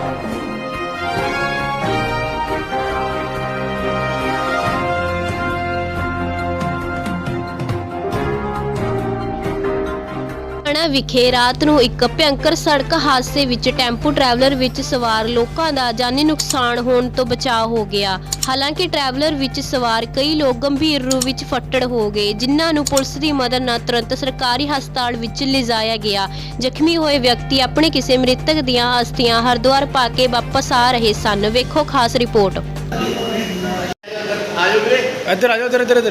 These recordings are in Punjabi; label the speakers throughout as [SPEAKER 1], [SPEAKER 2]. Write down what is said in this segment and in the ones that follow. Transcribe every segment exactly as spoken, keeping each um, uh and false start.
[SPEAKER 1] ਵਿਖੇ ਰਾਤ ਨੂੰ ਇੱਕ ਭਿਅੰਕਰ ਸੜਕ ਹਾਦਸੇ ਵਿੱਚ ਟੈਂਪੂ ਟਰੈਵਲਰ ਵਿੱਚ ਸਵਾਰ ਲੋਕਾਂ ਦਾ ਜਾਨੀ ਨੁਕਸਾਨ ਹੋਣ ਤੋਂ ਬਚਾਅ ਹੋ ਗਿਆ। ਹਾਲਾਂਕਿ ਟਰੈਵਲਰ ਵਿੱਚ ਸਵਾਰ ਕਈ ਲੋਕ ਗੰਭੀਰ ਰੂਪ ਵਿੱਚ ਫੱਟੜ ਹੋ ਗਏ, ਜਿਨ੍ਹਾਂ ਨੂੰ ਪੁਲਿਸ ਦੀ ਮਦਦ ਨਾਲ ਤੁਰੰਤ ਸਰਕਾਰੀ ਹਸਪਤਾਲ ਵਿੱਚ ਲਿਜਾਇਆ ਗਿਆ। ਜ਼ਖਮੀ ਹੋਏ ਵਿਅਕਤੀ ਆਪਣੇ ਕਿਸੇ ਮ੍ਰਿਤਕ ਦੀਆਂ ਅਸਥੀਆਂ ਹਰਿਦੁਆਰ ਪਾ ਕੇ ਵਾਪਸ ਆ ਰਹੇ ਸਨ। ਵੇਖੋ ਖਾਸ ਰਿਪੋਰਟ।
[SPEAKER 2] ਇੱਧਰ ਆ ਜਾਓ, ਇੱਧਰ ਇੱਧਰ ਇੱਧਰ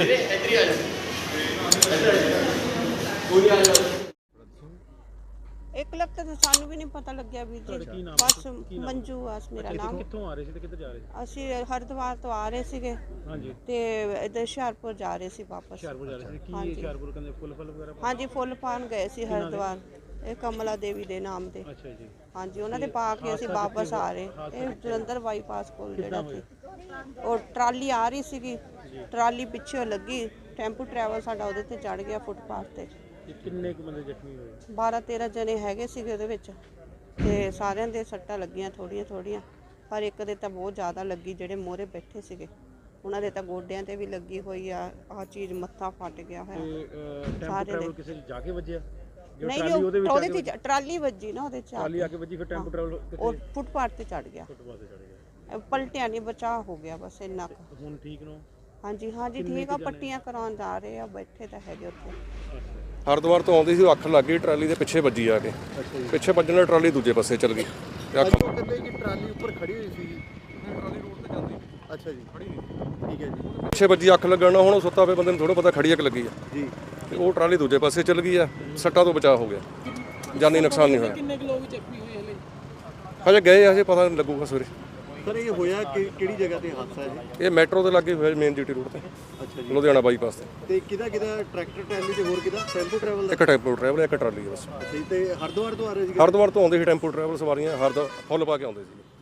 [SPEAKER 3] एक लग तो सानू भी नहीं पता लग गया भी जी। बस मंजू आस मेरा नाम।
[SPEAKER 2] ਕਿੱਥੋਂ ਆ ਰਹੇ ਸੀ ਤੇ ਕਿੱਧਰ ਜਾ ਰਹੇ ਸੀ?
[SPEAKER 3] ਅਸੀਂ ਹਰਿਦੁਆਰ ਤੋਂ ਆ ਰਹੇ ਸੀਗੇ
[SPEAKER 2] ਹਾਂਜੀ
[SPEAKER 3] ਤੇ ਇਧਰ ਹੁਸ਼ਿਆਰਪੁਰ ਜਾ ਰਹੇ ਸੀ ਵਾਪਸ।
[SPEAKER 2] ਹੁਸ਼ਿਆਰਪੁਰ ਜਾ ਰਹੇ ਸੀ। ਕੀ ਹੁਸ਼ਿਆਰਪੁਰ ਕਹਿੰਦੇ ਫੁੱਲ ਫੁੱਲ ਵਗੈਰਾ?
[SPEAKER 3] ਹਾਂਜੀ ਫੁੱਲ ਪਾਣ ਗਏ ਸੀ ਹਰਿਦੁਆਰ, ਇਹ ਕਮਲਾ ਦੇਵੀ ਦੇ ਨਾਮ ਤੇ।
[SPEAKER 2] ਅੱਛਾ ਜੀ।
[SPEAKER 3] ਹਾਂਜੀ ਉਹਨਾਂ ਦੇ ਪਾ ਕੇ ਅਸੀਂ ਵਾਪਸ ਆ ਰਹੇ। ਇਹ ਜਲੰਧਰ ਬਾਈਪਾਸ ਕੋਲ ਜਿਹੜਾ ਸੀ ਉਹ ਟਰਾਲੀ ਆ ਰਹੀ ਸੀਗੀ, ਟਰਾਲੀ ਪਿੱਛੇ ਲੱਗੀ, ਟੈਂਪੂ ਟਰੈਵਲ ਸਾਡਾ ਉਹਦੇ ਤੇ ਚੜ ਗਿਆ ਫੁੱਟਪਾਥ ਤੇ।
[SPEAKER 2] ਕਿੰਨੇ ਕੁ ਬੰਦੇ ਜ਼ਖਮੀ ਹੋਏ?
[SPEAKER 3] ਬਾਰਾਂ ਤੇਰਾਂ ਜਣੇ ਹੈਗੇ ਸੀਗੇ ਉਹਦੇ ਵਿੱਚ ਤੇ ਸਾਰਿਆਂ ਦੇ ਸੱਟਾਂ ਲੱਗੀਆਂ ਥੋੜੀਆਂ ਥੋੜੀਆਂ, ਪਰ ਇੱਕ ਦੇ ਤਾਂ ਬਹੁਤ ਜ਼ਿਆਦਾ ਲੱਗੀ, ਜਿਹੜੇ ਮੋਹਰੇ ਬੈਠੇ ਸੀਗੇ ਉਹਨਾਂ ਦੇ ਤਾਂ ਗੋਡਿਆਂ ਤੇ ਵੀ ਲੱਗੀ ਹੋਈ ਆ। ਆਹ ਚੀਜ਼ ਮੱਥਾ ਫਟ ਗਿਆ ਹੋਇਆ।
[SPEAKER 2] ਟੈਂਪੂ ਟਰੈਵਲ ਕਿਸੇ ਜਾ ਕੇ ਵੱਜਿਆ?
[SPEAKER 3] ਨਹੀਂ ਉਹਦੇ ਵਿੱਚ ਉਹਦੇ ਤੇ ਟਰਾਲੀ ਵੱਜੀ ਨਾ, ਉਹਦੇ ਚ
[SPEAKER 2] ਟਰਾਲੀ ਆ ਕੇ ਵੱਜੀ, ਫਿਰ ਟੈਂਪੂ ਟਰੈਵਲ
[SPEAKER 3] ਉਹ ਫੁੱਟਪਾਥ ਤੇ ਚੜ ਗਿਆ।
[SPEAKER 2] ਫੁੱਟਪਾਥ ਤੇ ਚੜ ਗਿਆ,
[SPEAKER 3] ਪਲਟਿਆ ਨਹੀਂ, ਬਚਾਅ ਹੋ ਗਿਆ ਬਸ ਇੰਨਾ ਕੁ।
[SPEAKER 2] ਹੁਣ ਠੀਕ ਨੂੰ?
[SPEAKER 3] ਹਾਂਜੀ ਹਾਂਜੀ ਠੀਕ ਆ, ਪੱਟੀਆਂ ਕਰਾਉਣ ਜਾ ਰਹੇ ਆ, ਬੈਠੇ ਤਾਂ ਹੈਗੇ ਉੱਥੇ।
[SPEAKER 4] ਹਰਿਦੁਆਰ ਤੋਂ ਆਉਂਦੀ ਸੀ, ਉਹ ਅੱਖ ਲੱਗ ਗਈ ਟਰਾਲੀ ਦੇ ਪਿੱਛੇ ਵੱਜੀ ਆ ਕੇ। ਪਿੱਛੇ ਵੱਜਣ ਨਾਲ ਟਰਾਲੀ ਦੂਜੇ ਪਾਸੇ ਚੱਲ ਗਈ ਤੇ ਅੱਖ
[SPEAKER 5] ਕਹਿੰਦੇ ਕਿ ਟਰਾਲੀ ਉੱਪਰ ਖੜੀ ਹੋਈ ਸੀ। ਟਰਾਲੀ ਰੋਡ ਤੇ ਜਾਂਦੀ। ਅੱਛਾ ਜੀ, ਖੜੀ ਨਹੀਂ। ਠੀਕ ਹੈ ਜੀ।
[SPEAKER 4] ਪਿੱਛੇ ਵੱਜੀ, ਅੱਖ ਲੱਗਣ ਨਾਲ ਹੁਣ ਉਹ ਸੁੱਤਾ ਪਿਆ ਬੰਦੇ ਨੂੰ ਥੋੜਾ ਪਤਾ ਖੜੀ ਅੱਖ ਲੱਗੀ ਆ
[SPEAKER 5] ਜੀ,
[SPEAKER 4] ਤੇ ਉਹ ਟਰਾਲੀ ਦੂਜੇ ਪਾਸੇ ਚੱਲ ਗਈ ਆ। ਸੱਟਾਂ ਤੋਂ ਬਚਾਅ ਹੋ ਗਿਆ, ਜਾਨੀ ਨੁਕਸਾਨ ਨਹੀਂ ਹੋਇਆ।
[SPEAKER 2] ਕਿੰਨੇ ਕੁ ਲੋਕ ਜ਼ਖਮੀ ਹੋਏ ਹਲੇ?
[SPEAKER 4] ਹਜੇ ਗਏ, ਹਜੇ ਪਤਾ ਨਹੀਂ ਲੱਗੂਗਾ ਸਵੇਰੇ।
[SPEAKER 5] ਸਰ ਇਹ ਹੋਇਆ ਕਿ ਕਿਹੜੀ ਜਗ੍ਹਾ ਤੇ ਹਾਦਸਾ ਹੈ ਜੀ?
[SPEAKER 4] ਇਹ ਮੈਟਰੋ ਦੇ ਲਾਗੇ ਹੋਇਆ, ਮੇਨ ਜੀਟੀ ਰੋਡ ਤੇ।
[SPEAKER 5] ਅੱਛਾ ਜੀ।
[SPEAKER 4] ਲੁਧਿਆਣਾ ਬਾਈਪਾਸ ਤੇ।
[SPEAKER 5] ਤੇ ਕਿਹਦਾ ਕਿਹਦਾ ਟਰੈਕਟਰ ਟਰਾਲੀ ਤੇ ਹੋਰ ਕਿਹਦਾ? ਟੈਂਪੂ ਟਰੈਵਲ ਦਾ?
[SPEAKER 4] ਇੱਕ ਟੈਂਪੂ ਟਰੈਵਲ, ਇੱਕ ਟਰਾਲੀ ਬਸ।
[SPEAKER 5] ਅੱਛਾ ਜੀ। ਤੇ ਹਰਿਦੁਆਰ ਤੋਂ ਆ ਰਹੇ ਸੀ?
[SPEAKER 4] ਹਰਿਦੁਆਰ ਤੋਂ ਆਉਂਦੇ ਸੀ ਟੈਂਪੂ ਟਰੈਵਲ ਸਵਾਰੀਆਂ, ਹਰਿਦੁਆਰ ਫੁੱਲ ਪਾ ਕੇ ਆਉਂਦੇ ਸੀ।